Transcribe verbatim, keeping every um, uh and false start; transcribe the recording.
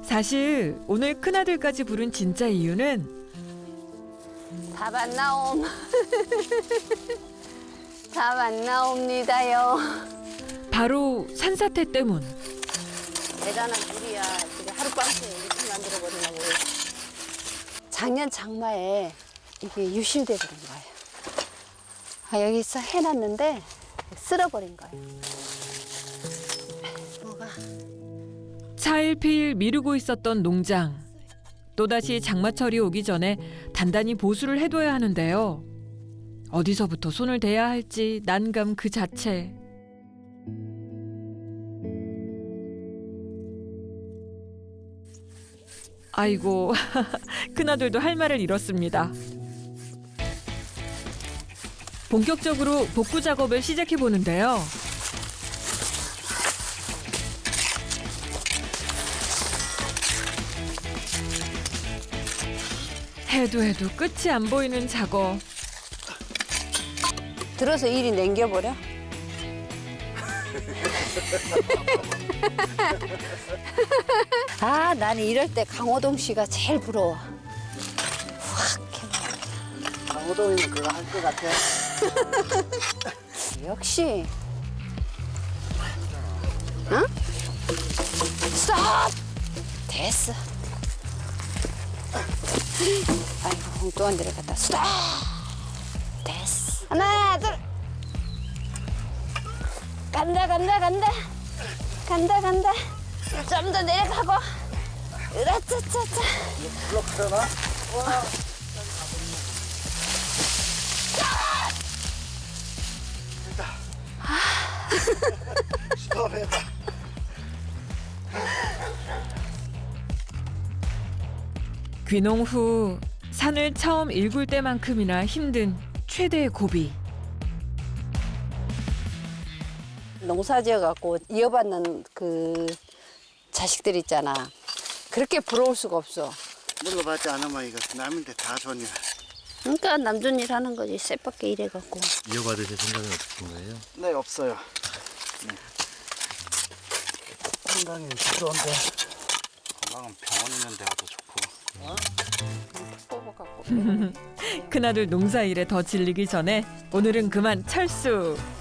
사실 오늘 큰아들까지 부른 진짜 이유는 답 안 나옴. 답 안 나옵니다요. 바로 산사태 때문. 대단한 일이야. 이게 하룻밤새 이렇게 만들어버리나 모르. 작년 장마에 이게 유실돼 버린 거예요. 아, 여기서 해놨는데 쓸어버린 거예요. 뭐가? 차일피일 미루고 있었던 농장. 또다시 장마철이 오기 전에 단단히 보수를 해둬야 하는데요. 어디서부터 손을 대야 할지 난감 그 자체. 아이고, 큰아들도 할 말을 잃었습니다. 본격적으로 복구 작업을 시작해 보는데요. 해도 해도 끝이 안 보이는 작업. 들어서 이리 남겨버려? 아, 나는 이럴 때 강호동 씨가 제일 부러워. 확 해봐. 강호동이는 그거 할 것 같아. 역시. 응? 스톱! 됐어. 아이고, 엉뚱한 데를 갔다. 스톱! 됐어. 하나, 둘. 간다, 간다, 간다. 간다, 간다. 좀 더 내려가고. 으라차차차. 블록하려나? 와. 됐다. 스톱해봐. 귀농 후 산을 처음 일굴 때만큼이나 힘든 최대의 고비. 농사지어갖고 이어받는 그 자식들 있잖아. 그렇게 부러울 수가 없어. 물러받지 않으면 이거 남인데 다 좋냐. 그러니까 남존 일 하는 거지. 쎄밖에 일해갖고. 이어받으실 생각은 없으신 거예요? 네, 없어요. 네. 건강이 좋은데. 건강은 병원 있는 데가 더 좋고. 어? 뽑아갖고. 큰아들 농사 일에 더 질리기 전에 오늘은 그만 철수.